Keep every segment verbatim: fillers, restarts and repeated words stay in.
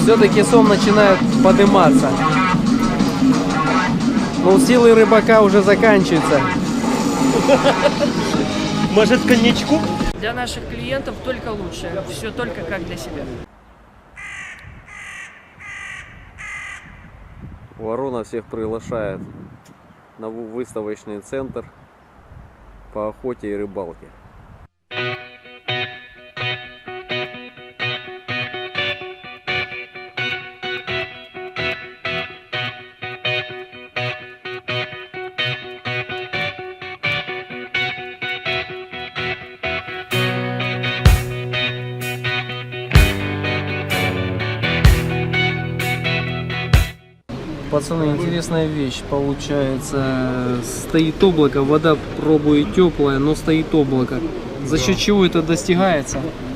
все-таки сом начинает подниматься. Но силы рыбака уже заканчиваются. Может, коньячку? Для наших клиентов только лучше. Все только как для себя. Ворона всех приглашает на выставочный центр по охоте и рыбалке. Пацаны, интересная вещь получается. Стоит облако, вода пробует теплая, но стоит облако. За счет чего это достигается?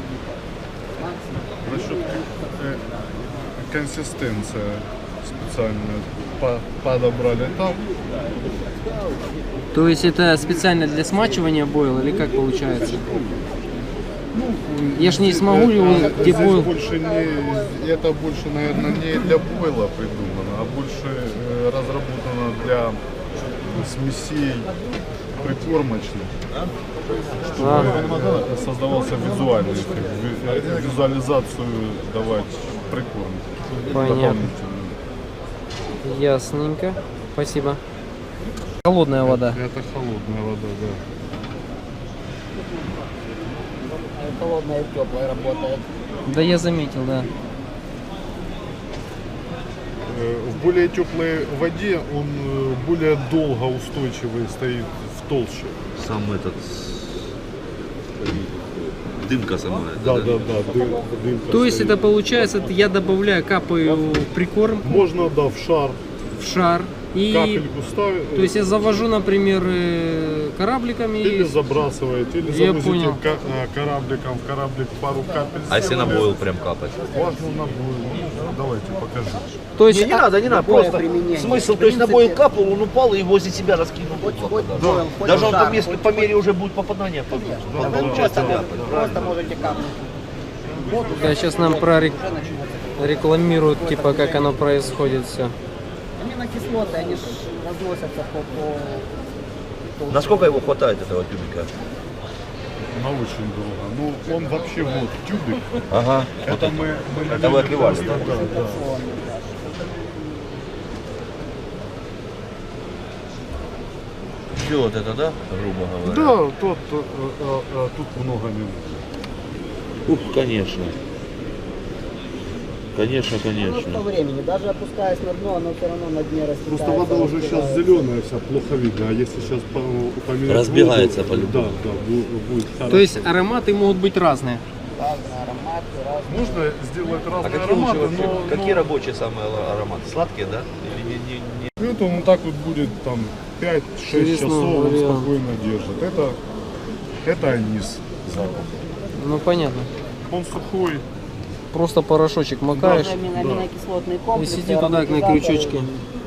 За счет э, консистенция специально по, подобрали там. То есть это специально для смачивания бойл или как получается? Я ж не смогу его, где Здесь бойл. больше не, это больше, наверное, не для бойла придумано, а больше э, разработано для смесей прикормочных, чтобы А. создавался визуальный эффект, ви- визуализацию давать прикорм. Понятно. Дополнительную. Ясненько. Спасибо. Холодная вода. Это холодная вода, да. Холодная и теплая работает. Да, я заметил, да. Э, В более теплой воде он э, более долго устойчивый стоит в толще. Сам этот... Дымка сама. Да, да, да. дым- дымка То есть стоит. это получается, я добавляю, капаю в прикорм, Можно, да, в шар в шар. И капельку ставить. то есть я завожу, например, э, корабликами. Или забрасываете, или Я завозите понял. ка- э, корабликом в кораблик пару капель. А если на сделали. бойл прям капать? Можно на бойл. Давайте покажу. То есть Не, не а, надо, не надо, Любое просто применение. смысл, В то есть на принципе, бойл капнул, он упал и возле себя раскинул. Хоть, облако, хоть да. бойл, хоть Даже он жар, там, если хоть- по мере уже будет попадание, по- Да, там да, получается да, ляпать, Просто правильно? можете капнуть. Вот уже, да, сейчас нам уже начнется. прорекламируют, типа, как оно происходит все. Аминокислоты, они ж разносятся по... по... Насколько его хватает, этого тюбика? На очень долго. Ну, он вообще вот тюбик. Ага. Это мы, мы Это вы налили отливали, просто, да? да, да. Все вот это, да, грубо говоря? Да, тот, э, э, э, тут много не нужно. Ух, конечно. Конечно, Ну, конечно. по времени, даже опускаясь на дно, оно все равно на дне растекается. Просто вода уже сейчас разбивается. зеленая вся, плохо видно. А если сейчас по, поменять Разбегается воду, по-любому. Да, да, бу- будет хорошо. То есть ароматы могут быть разные. Разные ароматы, разные. Можно сделать А разные какие, лучше ароматы, вообще, но, какие но рабочие самые ароматы? Сладкие, да? Или не, не, не... это он так вот будет там пять-шесть Интересно, часов, он вариант. спокойно держит. Это, это анис запах. Ну понятно. Он сухой. Просто порошочек макаешь Амино- Аминокислотный и комплекс. сиди туда на ароматизаторы. крючочке.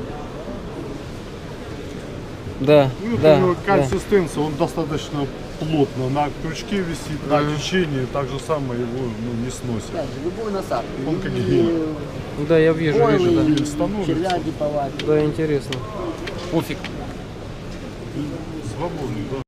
Да, Ну, это да, у него да. консистенция, он достаточно плотно на крючке висит, на течении, так же самое его ну, не сносит. Опять же, любую насадку. Он как И гель. Да, я вижу, бойлы, вижу, да. и становится. червя диповать. Да, интересно. Пофиг. Свободный, да.